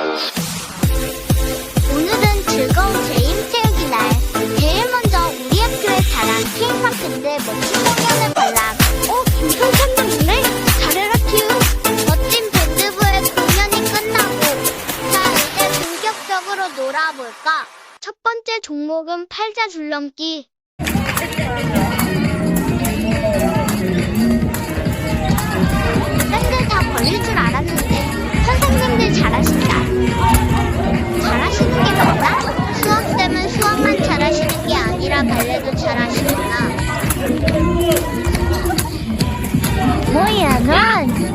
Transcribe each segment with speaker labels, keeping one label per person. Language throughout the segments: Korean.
Speaker 1: 오늘은 즐거운 재임체육이 날. 제일 먼저 우리 학교의 자랑 K마크인데 멋진 공연을 관람. 김선 선배님네? 잘해라 큐. 멋진 밴드부의 공연이 끝나고 자 이제 본격적으로 놀아볼까. 첫 번째 종목은 팔자 줄넘기. 밴드 다 걸릴 줄 알았는데 선생님들 잘하신다. 잘하시는 게 맞나? 수학쌤은 수학만 잘하시는 게 아니라 발레도 잘하시구나. 뭐야 넌?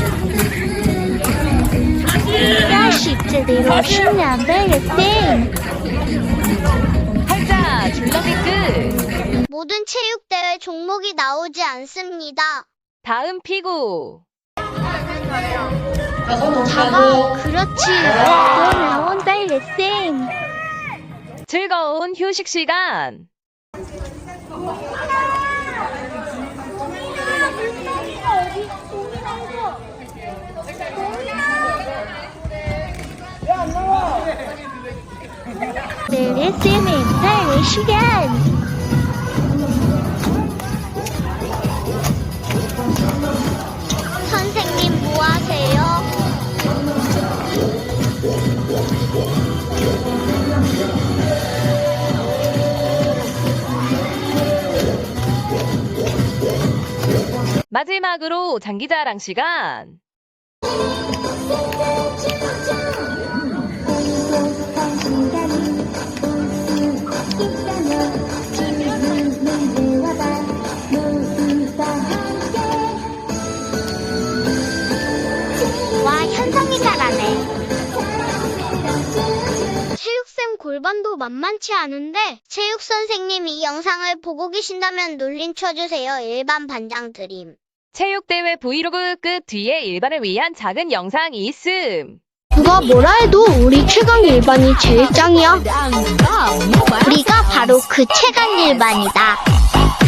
Speaker 1: 다시 제대로 쉬면 되겠지.
Speaker 2: 팔자 줄넘기 끝.
Speaker 1: 모든 체육대회 종목이 나오지 않습니다.
Speaker 2: 다음 피구.
Speaker 1: 자가 그렇지. 또 나온다 레슨.
Speaker 2: 즐거운 휴식 시간.
Speaker 1: 내 레슨은 나의 시간. 선생님 뭐 하세요?
Speaker 2: 마지막으로 장기자랑 시간.
Speaker 1: 와, 현성이 잘하네. 체육쌤 골반도 만만치 않은데 체육 선생님이 이 영상을 보고 계신다면 놀림 쳐주세요. 일반 반장 드림.
Speaker 2: 체육대회 브이로그 끝 뒤에 일반을 위한 작은 영상이 있음.
Speaker 1: 누가 뭐라 해도 우리 최강 일반이 제일 짱이야. 우리가 바로 그 최강 일반이다.